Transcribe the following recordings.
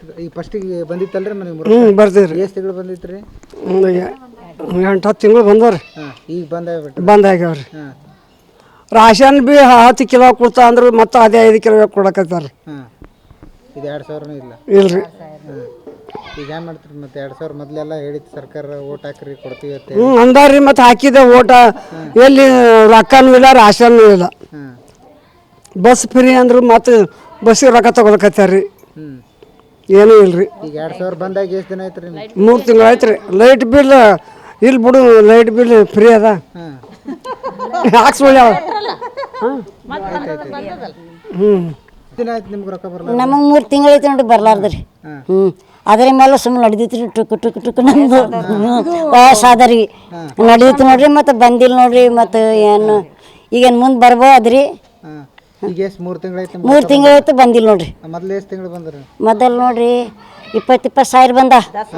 ಈಗ ಫಸ್ಟಿಗೆ ಬಂದಿತ್ತಲ್ರಿ ಬರ್ತೀವಿ ಎಷ್ಟು ತಿಂಗಳು ಬಂದಿತ್ತು ರೀ? ಒಂದು 8-10 ತಿಂಗಳು ಬಂದವ್ರಿ. ಈಗ ಬಂದಾಗ್ಯಾವ್ರಿ. ರಾಷನ್ ಬಿ 10 ಕಿಲೋ ಕೊಡ್ತಾ ಅಂದ್ರೆ ಮತ್ತೆ ಅದೇ 5 ಕಿಲೋ ಕೊಡಕತ್ತಾರ. ಇದು 2000 ಇಲ್ಲ ಇಲ್ರಿ. ಈಗ ಏನು ಮಾಡ್ತೀರಿ ಮತ್ತೆ? 2000 ಮೊದಲೆಲ್ಲ ಹೇಳಿತ್ತು ಸರ್ಕಾರ, ಓಟ್ ಹಾಕ್ರಿ ಕೊಡ್ತೀವಿ ಅಂತ. ಅಂದಾರ್ರಿ, ಮತ್ತೆ ಹಾಕಿದೆ ಓಟ. ಎಲ್ಲಿ ರೊಕ್ಕನೂ ಇಲ್ಲ, ರಾಷನ್ನೂ ಇಲ್ಲ. ಬಸ್ ಫ್ರೀ ಅಂದ್ರೆ ಮತ್ತೆ ಬಸ್ಸಿಗೆ ರೊಕ್ಕ ತಗೊಳಕತ್ತಾರ್ರಿ. ಏನೂ ಇಲ್ರಿ. ಈಗ 2000 ಬಂದಾಗ ಎಷ್ಟು ದಿನ ಆಯ್ತು ರೀ? 3 ತಿಂಗಳು ಆಯ್ತು ರೀ. ಲೈಟ್ ಬಿಲ್ ಇಲ್ಲಿ ಬಿಡು, ಲೈಟ್ ಬಿಲ್ ಫ್ರೀ ಅದ. ಹಾಕ್ಸ್ಕೊಳ್ಳಿ. ದಿನ ಆಯ್ತು ನಿಮ್ಗೆ ರೊಕ್ಕ ಬರಲ್ಲ? ನಮಗೆ 3 ತಿಂಗಳೈತೆ ನೋಡಿ ಬರ್ಲಾರ್ದ್ರಿ. ಅದ್ರ ಮೇಲೆ ಸುಮ್ಮನೆ ನಡೆದಿತ್ತು ರೀ. ಟುಕ್ ನಮ್ದು ವಯಸ್ಸಾದ್ರಿ ನಡೆದಿತ್ತು ನೋಡ್ರಿ. ಮತ್ತು ಬಂದಿಲ್ಲ ನೋಡ್ರಿ. ಮತ್ತು ಏನು ಈಗೇನು ಮುಂದೆ ಬರ್ಬೋದ್ರಿ. ಈಗ ಎಷ್ಟು 3 ತಿಂಗಳಾಯ್ತು? 3 ತಿಂಗಳಾಯ್ತು ಬಂದಿಲ್ಲ ನೋಡ್ರಿ. ಮೊದಲು ಎಷ್ಟು ತಿಂಗಳು ಬಂದ್ರಿ? ಮೊದಲು ನೋಡ್ರಿ 20 ಸಾವಿರ ಬಂದ.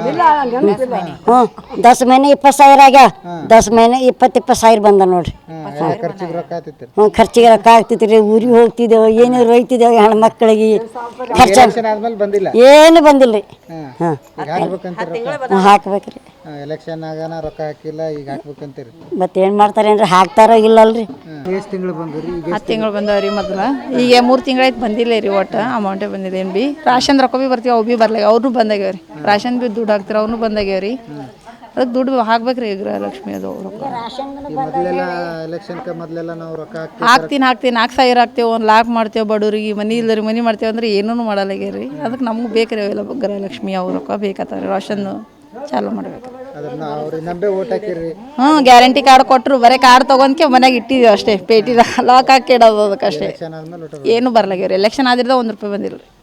10 ಮಹಿನೆ 20 ಸಾವಿರ ಆಗ್ಯಾವ. 10 ಮಹಿನೆ 20 ಸಾವಿರ ಬಂದ ನೋಡ್ರಿ. ಖರ್ಚಿಗೆ ರೊಕ್ಕ ಆಗ್ತಿತ್ತು? ಖರ್ಚಿಗೆ ರೊಕ್ಕ ಆಗ್ತಿತ್ತು ರೀ. ಊರಿಗೆ ಹೋಗ್ತಿದ್ದೇವೆ, ಏನಾರು ಒಯ್ತಿದ್ದೇವೆ ಹೆಣ್ಮಕ್ಳಿಗೆ. ಖರ್ಚು ಬಂದಿಲ್ಲ, ಏನು ಬಂದಿಲ್ಲ ರೀ. ಹಾಕ್ಬೇಕ್ರಿ. ಎಲೆಕ್ಷನ್ ಆಗಾನ ರೊಕ್ಕ ಹಾಕಿಲ್ಲ, ಈಗ ಹಾಕ್ಬೇಕಂತೀರಿ. ಮತ್ತೇನು ಮಾಡ್ತಾರೇನ್ರಿ? ಹಾಕ್ತಾರೋ ಇಲ್ಲಲ್ರಿ. ಎಷ್ಟು ತಿಂಗಳು ಬಂದ್ರಿ? 10 ತಿಂಗಳು ಬಂದವ್ರಿ. ಮೊದಲು ಈಗ 3 ತಿಂಗಳಾಯ್ತು ಬಂದಿಲ್ಲ ರೀ. ಒಟ್ಟು ಅಮೌಂಟೇ ಬಂದಿಲ್ಲ. ಏನು ಬಿ ರಾಷನ್ ರೊಕ್ಕ ಬಿ ಬರ್ತೀವಿ, ಅವು ಬಿ ಬರ್ಲಾಗ. ಅವ್ರು ಬಂದಾಗ್ಯಾವ್ರಿ. ರಾಷನ್ ಬಿ ದುಡ್ಡು ಹಾಕ್ತಾರೆ, ಅವ್ನು ಬಂದಾಗ್ಯಾವ್ರಿ. ಅದಕ್ಕೆ ದುಡ್ಡು ಹಾಕ್ಬೇಕ್ರಿ. ಗೃಹಲಕ್ಷ್ಮಿ ಅದು ರೊಕ್ಕ ಎಲೆಕ್ಷನ್ಗೆ ಮೊದಲೆಲ್ಲ ನಾವು ರೊಕ್ಕ ಹಾಕ್ತೀನಿ 4,000 ಹಾಕ್ತೇವೆ, 1 ಲಾಕ್ ಮಾಡ್ತೇವೆ. ಬಡವ್ರಿಗೆ ಮನೆ ಇಲ್ಲರಿ ಮನೆ ಮಾಡ್ತೇವೆ ಅಂದ್ರೆ ಏನೂ ಮಾಡಲ್ಲಾಗ್ಯಾರಿ. ಅದಕ್ಕೆ ನಮ್ಗೆ ಬೇಕ್ರಿ ಅವೆಲ್ಲ ಗೃಹಲಕ್ಷ್ಮಿ ಅವು ರೊಕ್ಕ ಬೇಕತ್ತಾರೆ. ರಾಷನ್ನು ಚಾಲು ಮಾಡ್ಬೇಕು. ಗ್ಯಾರಂಟಿ ಕಾರ್ಡ್ ಕೊಟ್ಟರು. ಬರೀ ಕಾರ್ಡ್ ತೊಗೊಂಡ್ಕೆ ಮನೆಗೆ ಇಟ್ಟಿದ್ದೀವಿ ಅಷ್ಟೇ. ಪೇಟಿದ ಲಾಕ್ ಹಾಕಿ ಇಡೋದು ಅದಕ್ಕಷ್ಟೇ. ಏನು ಬರ್ಲಾಗ್ಯಾವ್ರಿ. ಎಲೆಕ್ಷನ್ ಆದ್ರಿಂದ 1 ರೂಪಾಯಿ ಬಂದಿಲ್ಲ ರೀ.